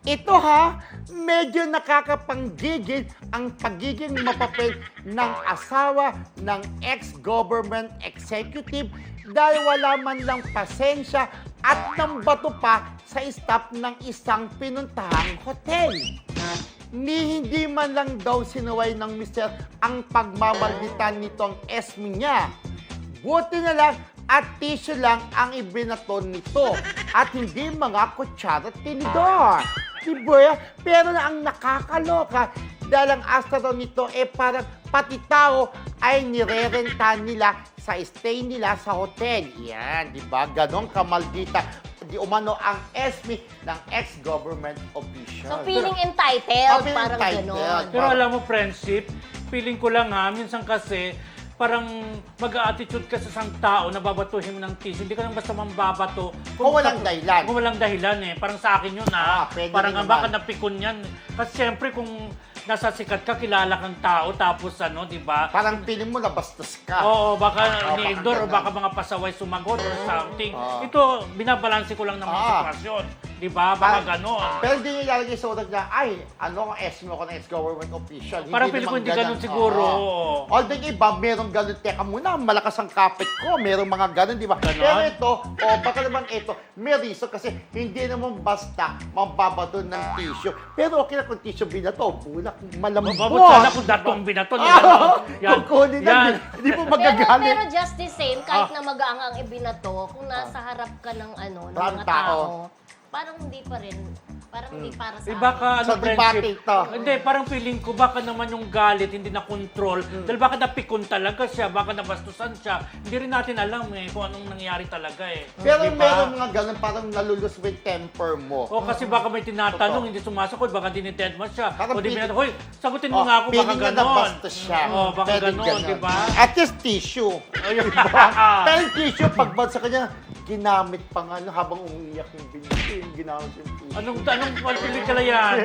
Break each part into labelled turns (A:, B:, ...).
A: Ito ha, medyo nakakapanggigil ang pagiging mapapil ng asawa ng ex-government executive dahil wala man lang pasensya at nambato pa sa staff ng isang pinuntahang hotel. Hindi man lang daw sinuway ng mister ang pagmamalbitan nitong esmi niya. Buti na lang at tissue lang ang ibinaton nito at hindi mga kutsara at tinidor. Diba? Pero na ang nakakaloka dahil ang asta daw nito parang pati tao ay nirerenta nila sa stay nila sa hotel. Yan, di ba? Ganon kamaldita. Di umano ang esmi ng ex-government official.
B: So, feeling entitled,
A: feeling
B: parang
A: entitled.
B: gano'n.
C: Pero alam mo, friendship, feeling ko lang minsan kasi parang mag-a-attitude ka sa isang tao na babatuhin mo ng tissue. Hindi ka lang basta mambabato.
A: Kung walang dahilan.
C: Kung walang dahilan Parang sa akin yun
A: pwede
C: Parang
A: rin
C: baka
A: naman.
C: napikon yan. Kasi siyempre kung nasa sikat ka, kilala kang tao, tapos di ba?
A: Parang piling mo nabastos ka.
C: Oo, baka
A: baka
C: ni-endure o
A: ganun.
C: baka mga pasaway sumagot or something.
A: Oo.
C: Ito, binabalanse ko lang ng mga sitwasyon. Di ba? Baka gano'n.
A: Pero hindi niya ilalagay sa utak niya, ay, ano ang esmi ako ng ex-government official.
C: Parang feeling ko hindi ganun siguro.
A: Oo. Although yung iba, merong ganun. Teka muna, malakas ang kapit ko. Merong mga ganun, di ba?
C: Ganon?
A: Pero ito, baka naman ito, may reason kasi hindi naman basta mababato ng tissue. Pero okay na kung tissue binato, bulak, malambot.
C: Mababot sana kung datong binaton. Yan.
A: Kukunin na,
C: Yan.
A: hindi mo
B: Pero
A: magagalit.
B: just the same, kahit na magaang ang ibinato, kung nasa harap ka ng ng
A: Parang
B: mga
A: tao.
B: tao, parang hindi pa rin, parang hindi para sa
C: Baka
A: Sa debate ito.
C: Hindi, parang feeling ko baka naman yung galit hindi na control. Dahil baka napikon talaga siya, baka nabastusan siya. Hindi rin natin alam kung anong nangyari talaga
A: Pero
C: Di ba?
A: meron mga ganun, parang nalulus with temper mo.
C: O kasi baka may tinatanong,
A: Totoo.
C: hindi sumasagot, baka dinitend mo siya.
A: Parang
C: O di
A: feeling-
C: binatanong, hoy, sagutin mo nga ako, baka
A: feeling na
C: ganon.
A: nabastos siya.
C: Baka
A: Pwedeng
C: ganon, di ba?
A: At least tissue.
C: Ayun.
A: Pero yung tissue, pagbad sa kanya, ginamit pa nga habang umiiyak yung binti, ginamit yung tissue.
C: Anong pelikula yan?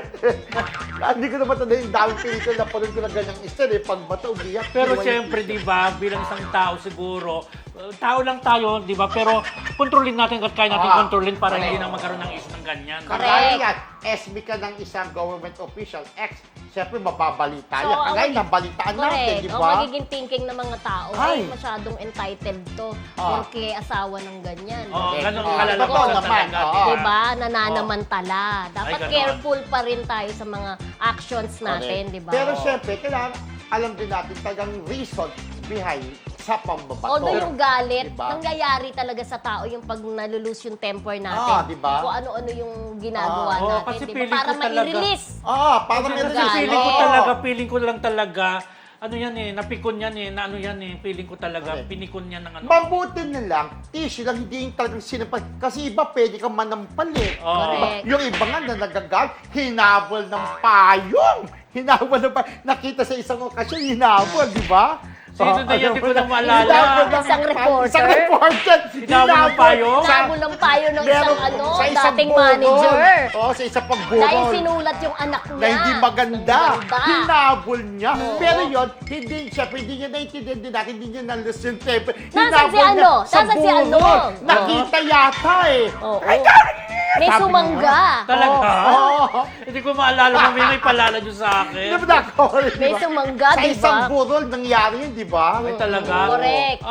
A: Hindi ko naman tanda yung daming pelikula na panood ko na ganyang isa, pagbata, umiiyak.
C: Pero
A: iwan yung
C: siyempre, di ba, bilang isang tao siguro, tao lang tayo, di ba? Pero kontrolin natin at kaya natin kontrolin para hindi na magkaroon ng issue ng ganyan.
B: Correct.
A: Kagaya yan, SB ka ng isang government official, siyempre mababalita yan.
B: ang
A: Kagaya
B: magi-
A: nabalitaan natin,
B: Correct.
A: di
B: Ang
A: ba?
B: magiging thinking ng mga tao,
A: Ay.
B: ay, masyadong entitled to.
A: Ah.
B: Porque asawa ng ganyan.
C: Oo,
A: Correct.
C: ganun
A: Oo,
C: kalala
A: totoo
C: ko
A: naman,
C: talaga.
A: oo.
C: di ba?
B: Diba? Nananamantala. Dapat
C: ganon.
B: careful pa rin tayo sa mga actions natin,
A: Correct.
B: di ba?
A: Pero siyempre, kailangan alam din natin talagang reason behind sa pambabato.
B: Although yung galit,
A: Diba?
B: nangyayari talaga sa tao yung pag nalulus yung temper natin.
A: diba?
B: Kung ano-ano yung ginagawa
C: Oo,
B: natin,
C: kasi
B: diba?
C: feeling
B: Para
C: ko talaga-
B: ma-release.
A: Para
B: Kasi
A: meron
B: galit.
C: Feeling ko lang talaga, ano yan napikon yan na ano yan feeling ko talaga,
A: Okay.
C: pinikon yan ng ano.
A: Mabuti na lang, tissue lang, hindi yung talagang sinampal. Kasi iba pwede kang manampal
C: Oo.
B: Correct.
A: Yung iba nga na nagagal, hinabol ng payong. Hinabol ng payong. Nakita sa isang okasyon, hinabol, di ba?
C: Sino na yan? Di ko na maalala.
A: Hinabol ng
B: Isang reporter?
A: Isang reporter.
C: Hinabol ng payong?
B: Hinabol ng payo ng isang
A: sa isang
B: dating
A: burol.
B: manager.
A: Oo, sa isang pagburol.
B: Dahil sinulat yung anak niya.
A: Na hindi maganda.
B: Maganda.
A: Hinabol niya.
B: Oo.
A: Pero yun, syempre, hindi niya naintindihan din natin, hindi niya nalus yung temper.
B: Nasaan si ano?
A: Sa
B: Nasaan si ano?
A: burol. Nakita yata
B: Oo.
A: Ay,
B: May
A: sabi
B: sumangga.
C: Talaga?
A: Oo.
C: Hindi ko maalala, may palala nyo sa
A: Di
C: akin.
A: ba nakakawala, di
B: May
A: ba?
B: sumangga,
A: Sa
B: di ba?
A: isang burol, nangyari yun, di ba?
C: Ay, talaga?
B: Correct.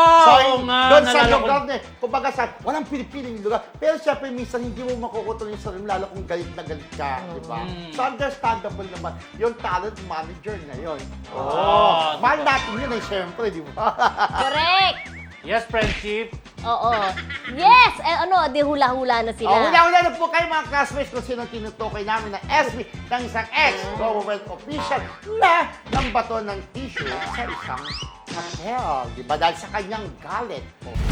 C: Oo nga,
A: doon sa
C: nalala ko.
A: lugar na, kumbaga sa, walang pinipiling lugar. Pero syempre, minsan hindi mo makukutol yung sarili, lalo kung galit na galit ka, di ba? So, understandable naman, yung talent manager na yun.
C: Oo.
A: Mahal natin yun syempre, di ba?
B: Correct.
C: Yes, friendship.
B: Oo. Yes! Di hula-hula na sila.
A: Hula-hula na po kayo mga classmates kung sino tinutukoy namin na SB ng isang ex-government official na nambato ng tissue sa isang hotel. Di ba? Dahil sa kanyang galit.